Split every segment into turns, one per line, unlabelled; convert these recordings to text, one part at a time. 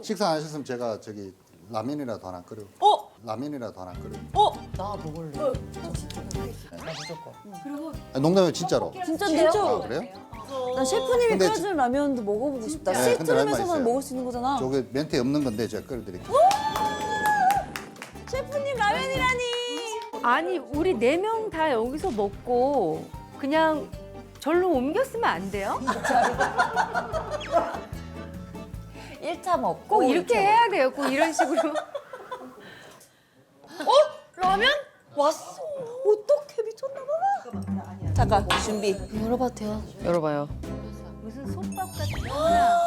식사 안 하셨으면 제가 저기 라면이라도 하나 끓여.
어?
라면이라도 하나 끓여.
나 먹을래. 나 무조건.
농담이에요 진짜로.
진짜인데요?
아 그래요?
난 셰프님이
근데
끓여주는 라면도 먹어보고 싶다.
네, 근데 할 말
시트룸에서만
있어요.
먹을 수 있는 거잖아.
저게 멘트에 없는 건데 제가 끓여드릴게요.
셰프님 라면이라니.
아니 우리 4명 다 여기서 먹고 그냥 절로 옮겼으면 안 돼요?
1차 먹고
꼭 이렇게 해야 돼요. 꼭 이런 식으로.
라면? 왔어. 어떡해 미쳤나 봐. 잠깐 준비. 열어봐도 돼요?
열어봐요.
무슨 솥밥 같은 거나.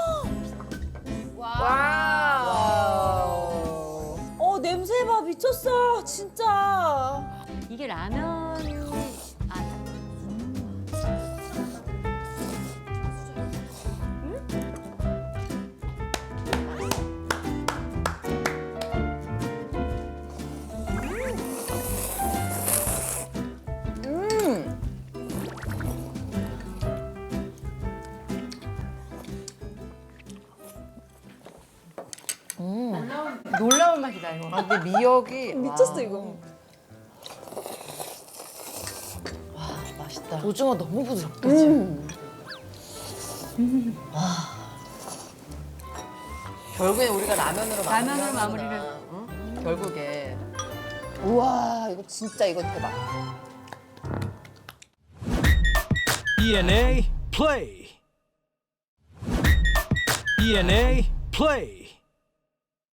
냄새 봐 미쳤어 진짜.
이게 라면이 놀라운 맛이다 이거.
아, 근데 미역이
미쳤어 이거.
맛있다. 오징어 너무 부드럽다. 지금. 결국엔 우리가 라면으로
마무리를.
응? 결국에.
우와 이거 진짜 이거 대박.
ENA play. ENA play.